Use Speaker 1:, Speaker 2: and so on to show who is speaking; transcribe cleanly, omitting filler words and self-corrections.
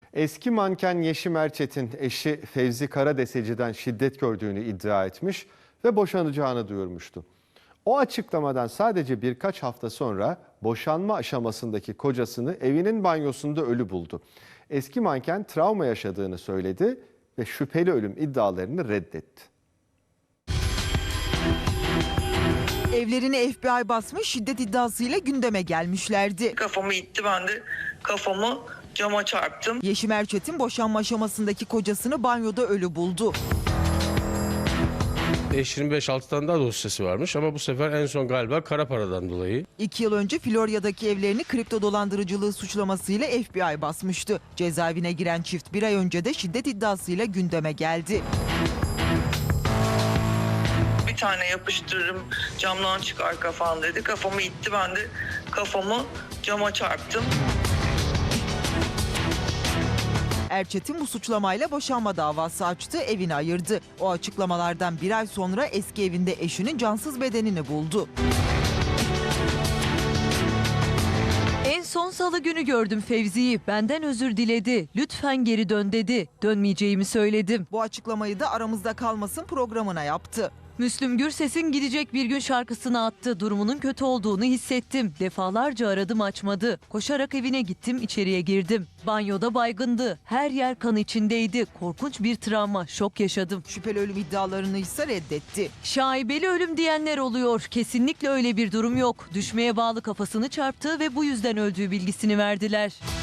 Speaker 1: Eski manken Yeşim Erçetin eşi Fevzi Karadeseci'den şiddet gördüğünü iddia etmiş ve boşanacağını duyurmuştu. O açıklamadan sadece birkaç hafta sonra boşanma aşamasındaki kocasını evinin banyosunda ölü buldu. Eski manken travma yaşadığını söyledi ve şüpheli ölüm iddialarını reddetti.
Speaker 2: Evlerini FBI basmış, şiddet iddiasıyla gündeme gelmişlerdi.
Speaker 3: Kafamı itti, ben de kafamı cama çarptım.
Speaker 2: Yeşim Erçetin boşanma aşamasındaki kocasını banyoda ölü buldu.
Speaker 4: 25-6 tane daha dosyası varmış ama bu sefer en son galiba kara paradan dolayı.
Speaker 2: 2 yıl önce Florya'daki evlerini kripto dolandırıcılığı suçlamasıyla FBI basmıştı. Cezaevine giren çift bir ay önce de şiddet iddiasıyla gündeme geldi.
Speaker 3: Bir tane yapıştırırım, camdan çıkar kafan dedi. Kafamı itti, ben de kafamı cama çarptım.
Speaker 2: Erçetin bu suçlamayla boşanma davası açtı, evini ayırdı. O açıklamalardan bir ay sonra eski evinde eşinin cansız bedenini buldu.
Speaker 5: En son salı günü gördüm Fevzi'yi. Benden özür diledi. Lütfen geri dön dedi. Dönmeyeceğimi söyledim.
Speaker 2: Bu açıklamayı da Aramızda Kalmasın programına yaptı.
Speaker 5: Müslüm Gürses'in Gidecek Bir Gün şarkısını attı. Durumunun kötü olduğunu hissettim. Defalarca aradım, açmadı. Koşarak evine gittim, içeriye girdim. Banyoda baygındı. Her yer kan içindeydi. Korkunç bir travma, şok yaşadım.
Speaker 2: Şüpheli ölüm iddialarını ise reddetti.
Speaker 5: Şaibeli ölüm diyenler oluyor. Kesinlikle öyle bir durum yok. Düşmeye bağlı kafasını çarptığı ve bu yüzden öldüğü bilgisini verdiler.